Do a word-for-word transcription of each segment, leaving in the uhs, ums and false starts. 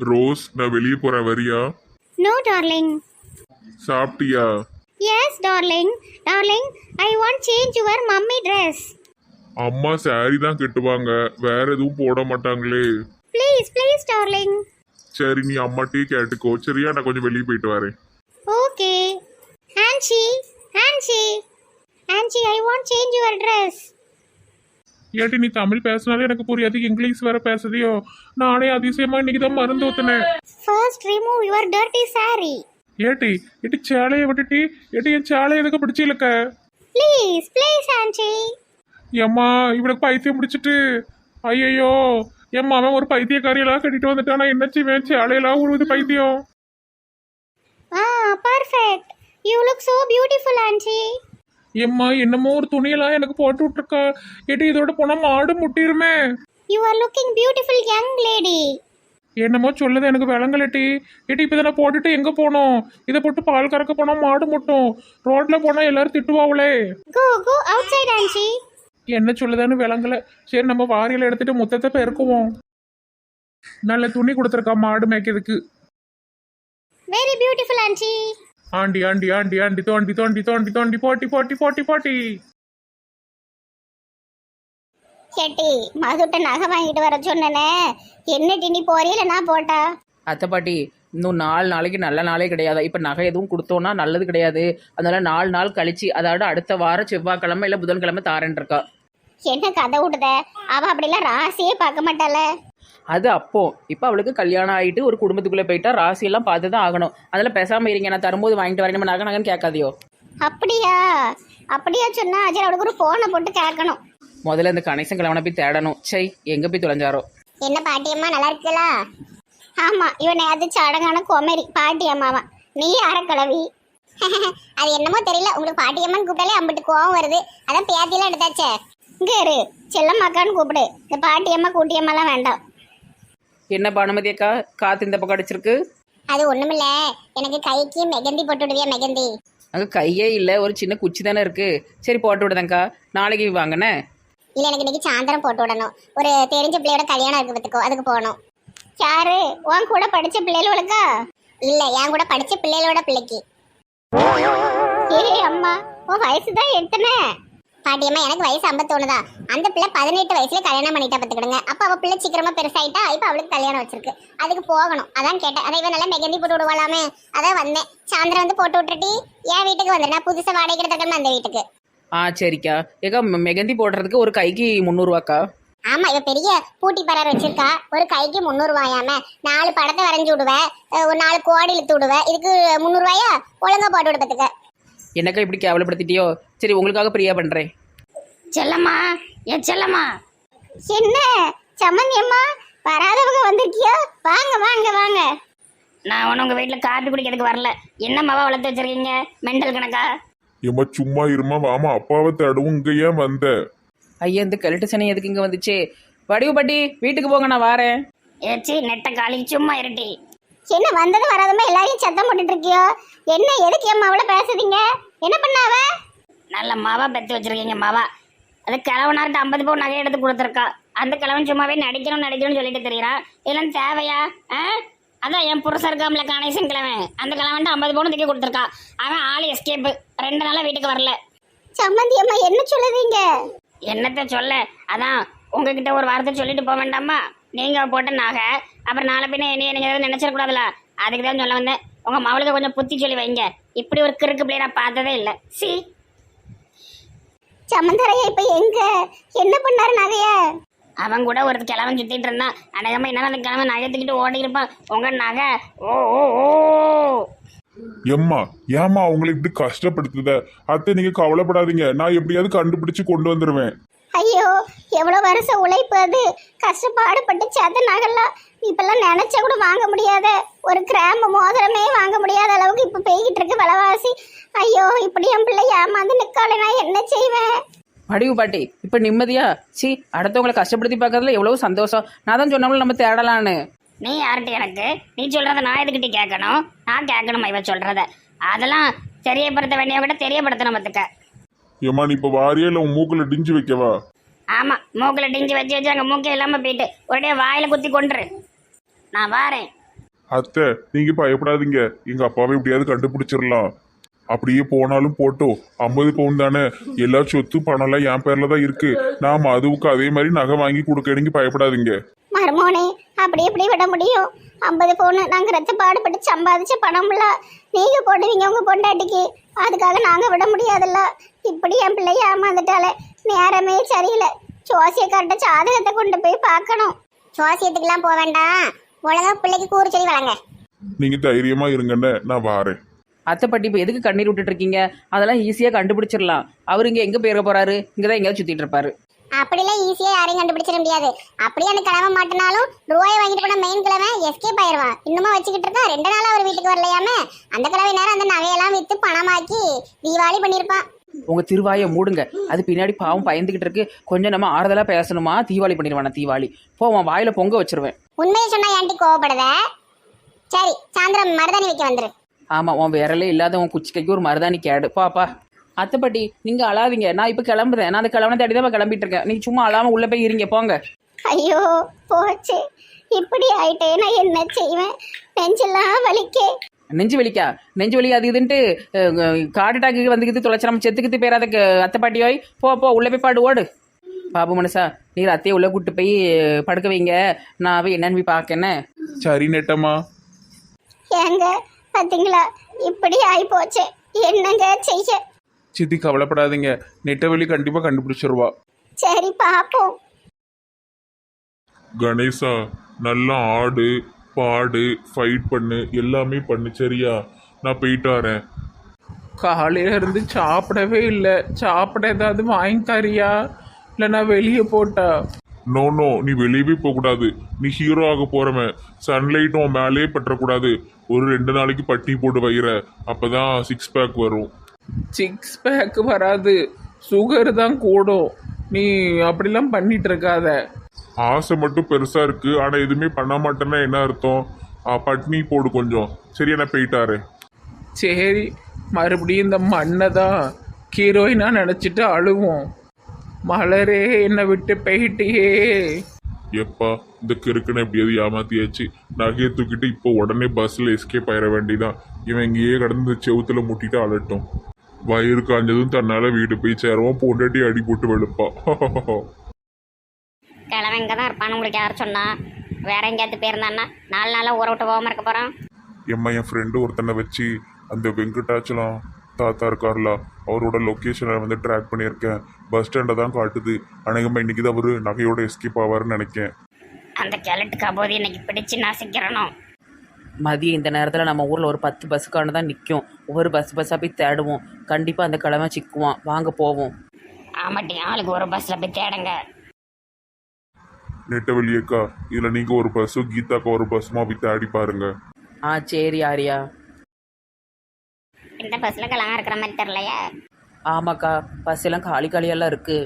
Rose, நான் வெளியே போறேன், வரியா? No, darling. சாப்பிட்டியா? Yes, darling. Darling, I want change your mummy dress. அம்மா சாரி தான் கட்டுவாங்க, வேற எதுவும் போட மாட்டாங்களே. Please, please, darling. சரி, நீ அம்மாட்டே கேட்டுக்கோ. சரியா, நான் கொஞ்சம் வெளியே போயிட்டு வரேன். Okay. Anchi, Anchi, Anchi, I want change your dress. ஏட்டி நீ தமிழ் பேசினாலே எனக்கு புரியாது, இங்கிலீஷ் வேற பேசுதியோ? நானே அதிசயமா இன்னைக்கு தான் மருந்து ஊத்துனேன். First, remove your dirty saree. ஏட்டி ஏட்டி சேலையை விட்டுட்டி, ஏட்டி என் சேலை எதுக்கு பிடிச்சிருக்க? Please, please, Anchi. ஏம்மா இவனுக்கு பைத்தியம் பிடிச்சிட்டு, ஐயையோ எம்மா அவன் ஒரு பைத்தியக்காரியெல்லாம் கட்டிட்டு வந்துட்டானா, என்ன செய்வேன்? சேலையெல்லாம் உழுவுது பைத்தியம். Ah, perfect. You look so beautiful, Anchi. எம்மா என்னமோ ஒரு துணியெல்லாம் எனக்கு போட்டு விட்டுருக்கா. ஏட்டி இதோட போனா மாடு முட்டிருமே. You are looking beautiful, young lady. என்னமோ சொல்லுது எனக்கு விளங்கலட்டி. ஏட்டி இப்போ இதை போட்டுட்டு எங்க போனோம்? இதை போட்டு பால் கறக்க போனா மாடு முட்டும், ரோட்ல போனா எல்லாரும் திட்டுவாங்களே. Go, go outside, Anchi. என்ன சொல்லுதான்னு விளங்கல. சரி நம்ம வாரியில எடுத்துட்டு முத்தத்தை பெருக்குவோம். நல்ல துணி கொடுத்துருக்கா மாடு மேய்க்கிறதுக்கு. Very beautiful, Anchi. Aunty aunty aunty aunty தோண்டி தோண்டி தோண்டி தோண்டி போட்டி போட்டி போட்டி போட்டி. கேட்டி மதுட்ட நகை வாங்கிட்டு வர சொன்னனே, என்ன டினி போறியில நான் போட்டா? அத்தை பாட்டி, இன்னும் நாலு நாளைக்கு நல்ல நாளே கிடையாது. இப்போ நகை எதுவும் கொடுத்தோன்னா நல்லது கிடையாது. அதனால நாலு நாள் கழிச்சு, அதாவது அடுத்த வாரம் செவ்வாய்க்கிழமை இல்லை புதன்கிழமை தாரன் இருக்கா. என்ன கதை விடுத? அவ அப்படிலாம் ராசியே பார்க்க மாட்டாள. அது அப்போ இப்போ அவளுக்கு கல்யாணம் ஆகிட்டு ஒரு குடும்பத்துக்குள்ளே போயிட்டா ராசியெல்லாம் பார்த்து தான் ஆகணும். அதெல்லாம் பேசாமல் இருங்க, நான் தரும்போது வாங்கிட்டு வரேன். நம்ம நகை நகன்னு கேட்காதியோ? அப்படியா? அப்படியா சொன்னா அஜய் அவளுக்கு ஒரு போனை போட்டு கேட்கணும். முதல்ல இந்த கணேசன் கிழவனை போய் தேடணும். சை, எங்கே போய் தொலைஞ்சாரோ? என்ன பாட்டியம்மா நல்லா இருக்கலா? ஆமா, இவன் நேரத்து சடங்கான குமரி பாட்டியம்மாவா. நீ அறக்கிழவி. அது என்னமோ தெரியல, உங்களுக்கு பாட்டியம்மான்னு கூப்பிட்டாலே அம்பிட்டு கோவம் வருது. அதான் பேத்தியெல்லாம் எடுத்தாச்சே. இங்க இரு, செல்லம்மாக்கான்னு கூப்பிடு. இந்த பாட்டியம்மா கூட்டியம்மாலாம் வேண்டாம். என்ன பானுமதி அக்கா, காத்து இந்த பக்கம் அடிச்சிருக்கு? அது ஒண்ணுமில்ல, எனக்கு கைக்கு மெகந்தி போட்டு விடுவியா? மெகந்தி அங்கே கையே இல்லை, ஒரு சின்ன குச்சி தானே இருக்கு. சரி போட்டு விடுதேங்க்கா, நாளைக்கு வாங்கண்ணே. இல்ல, எனக்கு இன்னைக்கு சாயந்தரம் போட்டு விடணும். ஒரு தெரிஞ்ச பிள்ளையோட கல்யாணம் இருக்கு பத்துக்கோ, அதுக்கு போகணும். யாரு? உன் கூட படிச்ச பிள்ளைகளுக்கா? இல்ல, என் கூட படிச்ச பிள்ளைகளோட பிள்ளைக்கு. ஏ அம்மா, உன் வயசு தான் எத்தனை? பாட்டியம்மா எனக்கு வயசு ஐம்பத்தொன்னு தான். அந்த பிள்ளை பதினெட்டு வயசுல கல்யாணம் பண்ணிட்டா பத்துக்கிடுங்க. அப்ப அவ பிள்ளை சீக்கிரமா பெருசாயிட்டா, இப்ப அவளுக்கு கல்யாணம் வச்சிருக்கு. அதுக்கு போகணும், அதான் கேட்டேன். அதை இவன் நல்லா மெகந்தி போட்டு விடுவாளாமே, அதான் வந்தேன். சாயந்தரம் வந்து போட்டு விட்டுட்டி என் வீட்டுக்கு வந்துடு. நான் புதுசா வாடகை எடுத்துக்கணும் அந்த வீட்டுக்கு. ஆ சரிக்கா. ஏக்கா மெகந்தி போடுறதுக்கு ஒரு கைக்கு முந்நூறுவாக்கா? ஆமா, இவ பெரிய பூட்டி பரர் வச்சிருக்கா. ஒரு கைக்கு முந்நூறு ரூபாயாம. நாலு படத்தை வரைஞ்சு விடுவேன், ஒரு நாலு கோடி இழுத்து விடுவேன். இதுக்கு முந்நூறு ரூபாயா? ஒழுங்கா போட்டு விடுறதுக்கு. என்னக்கா இப்படி கேவலப்படுத்திட்டியோ? சரி, உங்களுக்காக பிரியா பண்றேன். செல்லம்மா, என் செல்லம்மா. என்ன சம்மந்தி அம்மா, வராதவங்க வந்திருக்கியோ? வாங்க வாங்க வாங்க. நான் ஒன்றும் உங்க வீட்டில் காப்பி குடிக்கிறதுக்கு வரல. என்ன மாவா வளர்த்து வச்சிருக்கீங்க? மெண்டல் கணக்கா? ஏம்மா சும்மா இருமா, வாமா அப்பாவை தேடவும். இங்க ஏன் வந்த? ஐயா, இந்த கெல்ட்டு சனி எதுக்கு இங்கே வந்துச்சு? வடிவு பாட்டி, வீட்டுக்கு போங்க, நான் வாரேன். ஏச்சி நெட்ட காலி, சும்மா இருட்டி. என்ன வந்தது வராதமா எல்லாரையும் சத்தம் போட்டுட்டு இருக்கியோ? என்ன எதுக்கு என் மாவுல பேசுறீங்க? என்ன பண்ணாவ? நல்ல மாவா பெத்து வச்சிருக்கீங்க மாவா. அது கிழவனார்ட்ட ஐம்பது பவுன் நகை எடுத்து கொடுத்துருக்கா. அந்த கிழவன் சும்மாவே நடிக்கணும் நடிக்கணும்னு சொல்லிட்டு தெரியுறான். இதெல்லாம் தேவையா? ஆ, அதான் என் புருஷன் இருக்காமல கணேசன் கிழவன், அந்த கிழவன்ட்டு ஐம்பது பவுன் தூக்கி கொடுத்துருக்கா. அவன் ஆள் எஸ்கேப்பு, ரெண்டு நாளா வீட்டுக்கு வரல. சம்மந்தி அம்மா என்ன சொல்லுவீங்க? என்னத்த சொல்ல, அதான் உங்ககிட்ட ஒரு வார்த்தை சொல்லிட்டு போக வேண்டாமா? நீங்க போட்ட நகை அப்புறம் நாளை பின்ன என்ன நீங்க எதாவது நினைச்சிடக்கூடாதுல, அதுக்கு தான் சொல்ல வந்தேன். உங்க மவளுக்கு கொஞ்சம் புத்தி சொல்லி வைங்க. இப்படி ஒரு கிறுக்கு பிள்ளைய நான் பார்த்ததே இல்லை. சி சமந்தரையா இப்ப எங்க? என்ன பண்ணாரு நகைய? அவன் கூட ஒரு கிழவன் சுத்திட்டு இருந்தான். அநேகமா என்ன அந்த கிழவன் நகை தூக்கிட்டு ஓடி இருப்பான். உங்க நகை ஓ ஓ ஓ. எம்மா ஏம்மா அவங்களை இப்படி கஷ்டப்படுத்துத? அத்தை நீங்க கவலைப்படாதீங்க, நான் எப்படியாவது கண்டுபிடிச்சு கொண்டு வந்துருவேன். ஐயோ, எவ்வளவு வருஷம் உழைப்பு அது. கஷ்டப்பாடுபட்டு சேர்த்த நகைலாம் இப்பெல்லாம் நினைச்சா கூட வாங்க முடியாத, ஒரு கிராம்பு மோதிரமே வாங்க முடியாத அளவுக்கு இப்ப பெய்கிட்டு இருக்கு விலைவாசி. ஐயோ, இப்படி என் பிள்ளை ஏமாந்து நிக்கால, நான் என்ன செய்வேன்? வடிவு பாட்டி, இப்போ நிம்மதியா? சி, அடுத்தவங்களை கஷ்டப்படுத்தி பார்க்கறதுல எவ்வளவு சந்தோஷம். நான் தான் சொன்னவங்களும் நம்ம தேடலான்னு. நீ யார்கிட்ட எனக்கு? நீ சொல்றத நான் எதுக்கிட்ட கேட்கணும்? நான் கேட்கணுமா இவ சொல்றத? அதெல்லாம் தெரியப்படுத்த வேண்டியவங்கிட்ட தெரியப்படுத்தணும் பத்துக்க. ஏம்மா நீ இப்ப வாரியா இல்ல உன் மூக்குல டிஞ்சு வைக்கவா? ஆமா, மூக்கில் டிஞ்சு வச்சு வச்சு அங்கே மூக்கே இல்லாமல் போயிட்டு ஒரே வாயில குத்தி கொண்டுரு. நான் வாரேன். அத்தை நீங்க பயப்படாதீங்க, எங்க அப்பாவை எப்படியாவது கண்டுபிடிச்சிடலாம். அப்படியே போனாலும் போட்டோம், ஐம்பது பவுன் தானே, எல்லா சொத்து பணம்லாம் என் பேர்ல தான் இருக்கு. நான் மதுவுக்கு அதே மாதிரி நகை வாங்கி கொடுக்க, நீங்க பயப்படாதீங்க. மருமோனே அப்படி எப்படி விட முடியும்? ஐம்பது பவுன் நாங்க ரத்த பாடுபட்டு சம்பாதிச்ச பணம்ல நீங்க போடுவீங்க உங்க பொண்டாட்டிக்கு, அதுக்காக நாங்க விட முடியாதுல்ல. இப்படி என் பிள்ளைய ஏமாந்துட்டாலே நேரமே சரியில்லை. ஜோசியக்கார்ட்ட ஜாதகத்தை கொண்டு போய் பார்க்கணும். ஜோசியத்துக்குலாம் போக வேண்டாம், ஒழுங்கா பிள்ளைக்கு கூறு சொல்லி வளங்க. நீங்க தைரியமா இருங்கன்னு நான் வாரேன். அத்தை பாட்டி இப்போ எதுக்கு கண்ணீர் விட்டுட்டு இருக்கீங்க? அதெல்லாம் ஈஸியாக கண்டுபிடிச்சிடலாம். அவர் இங்கே எங்கே போயிட போறாரு? இங்கே தான் எங்கேயாவது சுற்றிட்டு இருப்பாரு. அப்படிலாம் ஈஸியா யாரையும் கண்டுபிடிச்சிட முடியாது. அப்படியே அந்த கிழமை மாட்டினாலும் ரூபாய் வாங்கிட்டு போன மெயின் கிழமை எஸ்கேப் ஆயிடுவான். இன்னுமா வச்சுக்கிட்டு இருக்கா? ரெண்டு நாள் அவர் வீட்டுக்கு வரலையாமே. அந்த கிழமை நேரம் அந்த நகையெல்லாம் வித்து பணமாக்கி தீபாவளி பண்ணியிருப்பான். உங்கள் திருவாயை மூடுங்க. அது பின்னாடி பாவம் பயந்துக்கிட்டு இருக்கு. கொஞ்சம் நம்ம ஆறுதலாக பேசணுமா? தீபாவளி பண்ணிடுவானா? தீபாவளி போவான், வாயில பொங்க வச்சிருவேன். உண்மையை சொன்னா ஏன்டி கோவப்படுத? சரி சாயந்தரம் மருதாணி வைக்க வந்துரு. ஆமாம், உன் விரலே இல்லாத உன் குச்சிக்கைக்கு ஒரு மருதாணி கேடு. பாப்பா அத்தை பாட்டி நீங்கள் அழாதீங்க. நான் இப்போ கிளம்புறேன். நான் அந்த கிளம்புன தேடி தான் கிளம்பிட்டு இருக்கேன். நீங்கள் சும்மா அழாமல் உள்ளே போய் இருங்க, போங்க. ஐயோ போச்சு, இப்படி ஆயிட்டே நான் என்ன செய்வேன்? நெஞ்செல்லாம் வலிக்கே. நெஞ்சு வலிக்கா? நெஞ்சு வலி அது இதுன்ட்டு காட்டு டாக்கு வந்துக்கிட்டு தொலைச்சிடாம செத்துக்கிட்டு பேராத அத்தை பாட்டியோய். போ போ உள்ளே போய் பாடு, ஓடு. பாபு மனுஷா, நீர் அத்தையை உள்ளே கூப்பிட்டு போய் படுக்க வைங்க. நான் போய் என்னன்னு போய் பார்க்கேன்னு. சரி நெட்டம்மா. ஏங்க பாத்தீங்களா, இப்படி ஆயி போச்சு, என்னங்க செய்ய? சித்தி கவலைப்படாதீங்க, நெட்டவெளி கண்டிப்பா கண்டுபிடிச்சிருவா. சரி பாப்போம். கணேசா, நல்லா ஆடு பாடு ஃபைட் பண்ணு, எல்லாமே பண்ணு சரியா? நான் போயிட்டு வரேன். காலையில இருந்து சாப்பிடவே இல்லை. சாப்பிட ஏதாவது வாங்கி தரியா? இல்லை நான் வெளியே போட்டா? நோ நோ, நீ வெளியவே போகக்கூடாது. நீ ஹீரோ ஆக போறவன். சன்லைட்டும் மேலே பற்றக்கூடாது. ஒரு ரெண்டு நாளைக்கு பட்டி போட்டு வைக்கிற, அப்பதான் சிக்ஸ் பேக் வரும். சிக்ஸ் பேக் வராது, சுகர் தான் கூடும். நீ அப்படிலாம் பண்ணிட்டு இருக்காத. ஆசை மட்டும் பெருசா இருக்கு, ஆனா எதுவுமே பண்ண மாட்டேன்னா என்ன அர்த்தம்? ஆ, பட்னி போடு கொஞ்சம் சரியா? நான் போயிட்டாரு. சரி, மறுபடியும் இந்த மண்ணை தான் ஹீரோயினா நினச்சிட்டு அழுவோம். மலரே என்னை விட்டு போயிட்டியே. எப்பா இந்த கிறுக்கனை எப்படியாவது ஏமாத்தியாச்சு. நகையை தூக்கிட்டு இப்போ உடனே பஸ்ல எஸ்கேப் ஆயிட வேண்டிதான். இவன் இங்கேயே கடந்து செவுத்துல முட்டிட்டு அலட்டும். வயிறு காஞ்சதும் தன்னால வீடு போய் சேருவான். பொண்டாட்டி அடி போட்டு வெளுப்பா. கிழமை இங்கே தான் இருப்பான்னு உங்களுக்கு யார் சொன்னா? வேற எங்கேயாவது போயிருந்தான்னா நாலு நாளாக ஊற விட்டு போகாமல் இருக்க போகிறான். எம்மா என் ஃப்ரெண்டு ஒருத்தனை வச்சு அந்த வெங்கடாச்சலம் தாத்தா இருக்கார்ல, அவரோட லொக்கேஷனை வந்து ட்ராக் பண்ணியிருக்கேன். பஸ் ஸ்டாண்டை தான் காட்டுது. அநேகமாக இன்னைக்கு தான் அவரு நகையோட எஸ்கேப் ஆவாருன்னு நினைக்கேன். அந்த கிழட்டுக்கா போது இன்னைக்கு பிடிச்சு நசிக்கிறணும். மதியம் இந்த நேரத்தில் நம்ம ஊரில் ஒரு பத்து பஸ்ஸுக்கான தான் நிற்கும். ஒவ்வொரு பஸ் பஸ்ஸாக போய் தேடுவோம். கண்டிப்பாக அந்த கிழமை சிக்குவான். வாங்க போவோம். ஆமாட்டி, ஆளுக்கு ஒரு பஸ்ஸில் போய் தேடுங்க. நெட்டவெளியக்கா, இதில் நீங்கள் ஒரு பஸ்ஸும் கீதாக்கா ஒரு பஸ்ஸுமா போய் தேடி பாருங்க. ஆ சரி ஆரியா. இந்த பஸ்ஸில் கிழங்கா இருக்கிற மாதிரி தெரியலையே. ஆமாக்கா, பஸ் எல்லாம் காலி காலியெல்லாம் இருக்குது.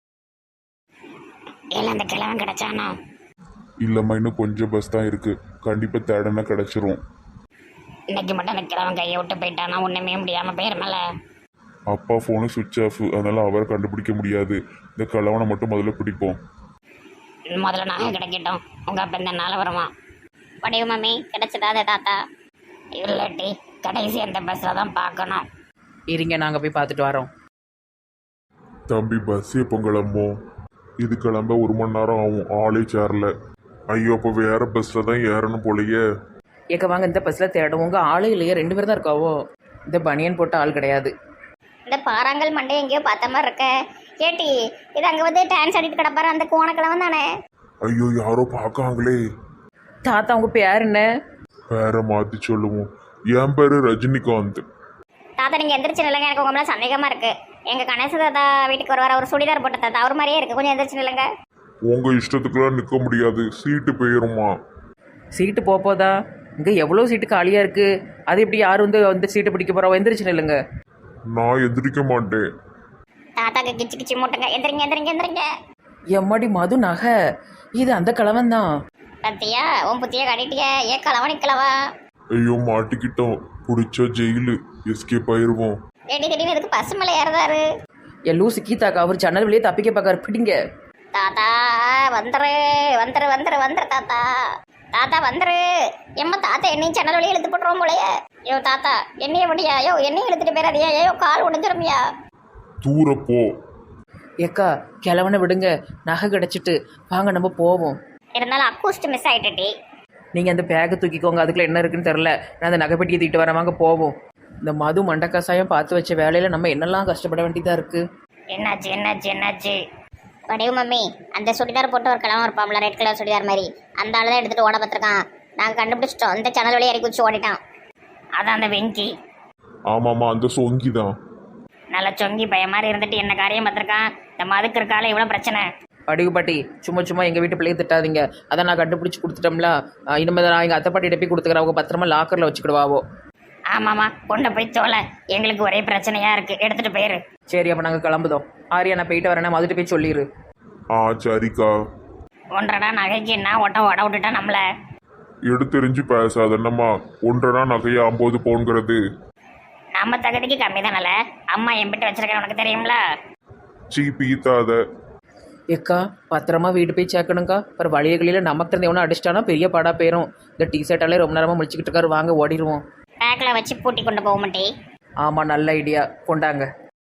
இல்லை அந்த கிழமை கிடைச்சானோ? இல்லைம்மா, இன்னும் கொஞ்சம் பஸ் தான் இருக்கு. கண்டிப்பாக தேடனா கிடைச்சிரும். இன்னைக்கு மட்டும் அந்த கிழமை கையை விட்டு போயிட்டானா ஒன்றுமே முடியாமல் போயிருமல. அப்பா ஃபோனு சுவிட்ச் ஆஃப், அதனால அவரை கண்டுபிடிக்க முடியாது. இந்த கிழவனை மட்டும் முதல்ல பிடிப்போம். முதல்ல நாங்கள் கிடைக்கட்டும், உங்கள் அப்போ இந்த நாள் வருவான். வடிவு மம்மி கிடைச்சதாதே தாத்தா? இல்லாட்டி கடைசி அந்த பஸ்ஸில் தான் பார்க்கணும். இருங்க, நாங்கள் போய் பார்த்துட்டு வரோம். தம்பி பஸ் எப்போ கிளம்பும்? இது கிளம்ப ஒரு மணி நேரம் ஆகும். ஆளே சேரல. ஐயோ, அப்போ வேற பஸ்ல தான் ஏறணும் போலயே. ஏக்க வாங்க, இந்த பஸ்ஸில் தேடுவோங்க. ஆளே இல்லையே, ரெண்டு பேர் தான் இருக்காவோ. இந்த பனியன் போட்ட ஆள் கிடையாது. இந்த பாறாங்கல் மண்டை எங்கேயோ பார்த்த மாதிரி இருக்க. கேட்டி, இது அங்கே வந்து டான்ஸ் ஆடிட்டு கிடப்பாரு அந்த கோணக்கிழவன் தானே? ஐயோ, யாரோ பார்க்காங்களே. தாத்தா உங்கள் பேர் என்ன? பேரை மாற்றி சொல்லுவோம். என் பேரு ரஜினிகாந்த். தாத்தா நீங்கள் எந்திரிச்சு நில்லுங்க, எனக்கு உங்க மேலே சந்தேகமாக இருக்கு. எங்கள் கணேச தாத்தா வீட்டுக்கு வருவார், அவர் சுடிதார் போட்ட தாத்தா, அவர் மாதிரியே இருக்கு. கொஞ்சம் எந்திரிச்சு நில்லுங்க. உங்க இஷ்டத்துக்குலாம் நிற்க முடியாது, சீட்டு போயிருமா? சீட்டு போப்போதா? இங்கே எவ்வளோ சீட்டு காலியாக இருக்குது. அது எப்படி யார் வந்து வந்து சீட்டு பிடிக்க போகிறோம்? எந்திரிச்சு நில்லுங்க. நான் எந்திரிக்க மாட்டேன். தாத்தாக்கு கிச்சு கிச்சு மூட்டுங்க. எந்திரிங்க எந்திரிங்க எந்திரிங்க. எம்மாடி மது நகை, இது அந்த கிழவன் தான். பத்தியா உன் புத்திய கட்டிட்டிய? ஏ கிழவா நிக்கலவா? ஐயோ, மாட்டிக்கிட்டோம். பிடிச்சா ஜெயிலு, எஸ்கேப் ஆயிருவோம். ரெடி திடீர்னு எதுக்கு பசு மேலே ஏறுதாரு? என் லூசு கீதாக்கா, அவர் ஜன்னல் வெளியே தப்பிக்க பார்க்காரு. பிடிங்க. தாத்தா வந்துரு வந்துரு வந்துரு வந்துரு தாத்தா. தாத்தா வந்துரு. எம்மா தாத்தா என்னையும் ஜன்னல் வழியா இழுத்து போட்டுருவோம் போலயே. ஐயோ தாத்தா என்னைய முடியா? ஐயோ என்னையும் இழுத்துட்டு போயிடாதியா. ஐயோ கால் உடைஞ்சிருமியா? தூர போ. ஏக்கா கிழவனை விடுங்க, நகை கிடச்சிட்டு வாங்க நம்ம போவோம். இருந்தாலும் அக்கூஸ்ட் மிஸ் ஆயிட்டுடி. நீங்கள் அந்த பேக்கை தூக்கிக்கோங்க, அதுக்குள்ள என்ன இருக்குன்னு தெரில. நான் அந்த நகைப்பெட்டியை தூக்கிட்டு வரேன், வாங்க போவோம். இந்த மது மண்டக்கசாயம் பார்த்து வச்ச வேலையில் நம்ம என்னெல்லாம் கஷ்டப்பட வேண்டியதாக இருக்குது. என்னாச்சு என்னாச்சு என்னாச்சு? வடிவு மம்மி, அந்த சுடிதார் போட்டு ஒரு கிழமை இருப்பாம்ல, ரெட் கலர் சுடிதார் மாதிரி, அந்த ஆள் தான் எடுத்துட்டு ஓட பார்த்துருக்கான். நாங்கள் கண்டுபிடிச்சிட்டோம். இந்த சேனல் வழியா இறக்கி வச்சு ஓடிட்டான். அதான் அந்த வெங்கி. ஆமாம்மா, அந்த சொங்கி தான். நல்ல சொங்கி பய மாதிரி இருந்துட்டு என்ன காரியம் பார்த்துருக்கான். இந்த மதுக்கு இருக்கால இவ்வளோ பிரச்சனை. அடிகு பாட்டி, சும்மா சும்மா எங்கள் வீட்டு பிள்ளையை திட்டாதீங்க. அதை நான் கண்டுபிடிச்சி கொடுத்துட்டோம்ல. இனிமேல் நான் எங்கள் அத்தை பாட்டிகிட்ட போய் கொடுத்துக்கிறேன். அவங்க பத்திரமா லாக்கரில் வச்சுக்கிடுவாவோ. ஆமாம்மா, கொண்டு போய் தோல. எங்களுக்கு ஒரே பிரச்சனையா இருக்கு, எடுத்துட்டு போயிரு. சரி, அப்போ நாங்கள் கிளம்புதோம். ஆரியா, நான் போயிட்டு வரேன், மதுட்டு போய் சொல்லிடு. ஆ சரிக்கா. ஒன்றடா நகைக்கு என்ன ஓட்ட ஓட விட்டுட்டா நம்மள. எடுத்தெறிஞ்சு பேசாத என்னம்மா. ஒன்றரை நகையை ஐம்பது பவுன்கிறது. நம்ம தகுதிக்கு கம்மி தானல. அம்மா எம்பிட்டு வச்சிருக்கேன் உனக்கு தெரியும்ல. சீ பீத்தாத. ஏக்கா பத்திரமா வீட்டு போய் சேர்க்கணுங்க்கா. அப்புறம் வழியகளில் நமக்கு இருந்து எவனா அடிச்சிட்டானா பெரிய பாடா போயிடும். இந்த டிஷர்ட்டாலே ரொம்ப நேரமாக முடிச்சுக்கிட்டு இருக்காரு. வாங்க ஓடிடுவோம். பேக்கில் வச்சு பூட்டி கொண்டு போக மாட்டே. ஆமாம், நல்ல ஐடியா, கொண்டாங்க.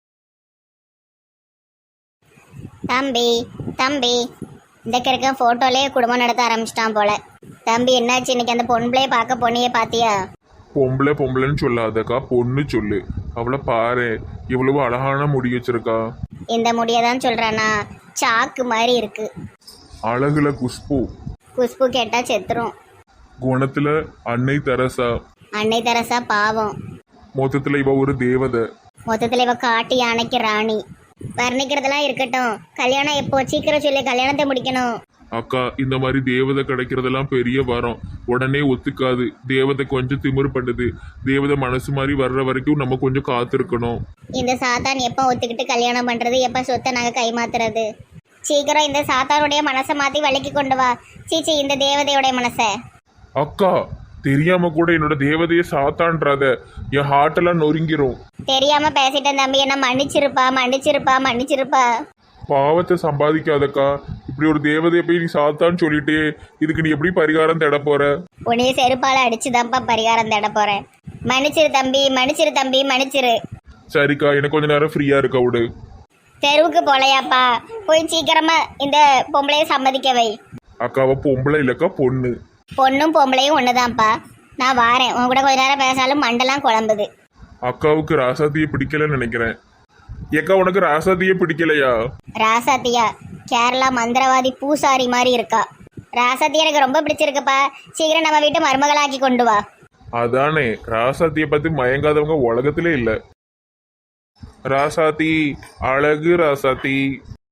தம்பி தம்பி, இந்த கிழக்க ஃபோட்டோலேயே குடும்பம் நடத்த ஆரம்பிச்சிட்டான் போல. தம்பி என்னாச்சு இன்னைக்கு? அந்த பொண்ணுளையே பார்க்க பொண்ணையே பார்த்தியா? பொம்பளை பொம்பளைன்னு சொல்லாதக்கா, பொண்ணு சொல்லு. அவளை பாரு, இவ்வளவு அழகான முடி வச்சிருக்கா. இந்த முடியை தான் சொல்கிறானா? சாக்கு மாதிரி இருக்கு. அழகுல குஷ்பு, குஷ்பு கேட்டால் செத்துரும். குணத்துல அன்னை தெரசா, அன்னை தெரசா பாவம். மொத்தத்துல இவ ஒரு தேவதை. மொத்தத்தில் இவ காட்டு யானைக்கு ராணி. வர்ணிக்கிறதெல்லாம் இருக்கட்டும், கல்யாணம் எப்போ? சீக்கிரம் சொல்லி கல்யாணத்தை முடிக்கணும். அக்கா, இந்த மாதிரி தேவதை கிடைக்கிறதெல்லாம் பெரிய வரம். உடனே ஒத்துக்காது. தேவதை கொஞ்சம் திமிரு பண்ணுது. தேவதை மனசு மாதிரி வர்ற வரைக்கும் நம்ம கொஞ்சம் காத்திருக்கணும். இந்த சாத்தான் எப்போ ஒத்துக்கிட்டு கல்யாணம் பண்றது, எப்போ சொத்தை நாங்கள் கைமாத்துறது? சீக்கிரம் இந்த சாத்தானுடைய மனசை மாத்தி வலிக்கு கொண்டு வா. சீச்சி, இந்த தேவதையுடைய மனசை. அக்கா, தெரியாம கூட என்னோட தேவதையை சாத்தான்றாத. என் ஹார்ட் எல்லாம் நொறுங்கிரும். தெரியாம பேசிட்டேன் தம்பி, என்ன மன்னிச்சிருப்பா மன்னிச்சிருப்பா மன்னிச்சிருப்பா. பாவத்தை சம்பாதிக்காதக்கா. இப்படி ஒரு தேவதையை போய் நீ சாத்தான்னு சொல்லிட்டு இதுக்கு நீ எப்படி பரிகாரம் தேட போற? உன்னைய செருப்பால அடிச்சுதான்ப்பா பரிகாரம் தேட போறேன். மன்னிச்சிரு தம்பி, மன்னிச்சிரு தம்பி, மன்னிச்சிரு. சரிக்கா, எனக்கு கொஞ்ச நேரம் ஃப்ரீயா இருக்க விடு. தெருவுக்கு போலையாப்பா, போய் சீக்கிரமா இந்த பொம்பளைய சம்மதிக்க வை. அக்காவை பொம்பளை இல்லக்கா, பொண்ணு. பொண்ணும் பொம்பளையும் ஒண்ணுதான்ப்பா. நான் வாரேன், உன் கூட கொஞ்ச நேரம் பேசாலும் மண்டெல்லாம் குழம்புது. அக்காவுக்கு ராசாத்தியை பிடிக்கலன்னு நினைக்கிறேன். ஏக்கா, உனக்கு ராசாத்தியே பிடிக்கலையா? ராசாத்தியா? கேரளா மந்திரவாதி பூசாரி மாதிரி இருக்கா. ராசாத்தி எனக்கு ரொம்ப பிடிச்சிருக்குப்பா. சீக்கிரம் நம்ம வீட்டு மருமகளாக்கி கொண்டு வா. அதானே, ராசாத்தியை பத்தி மயங்காதவங்க உலகத்திலே இல்ல. ராசாத்தி, அழகு ராசாத்தி.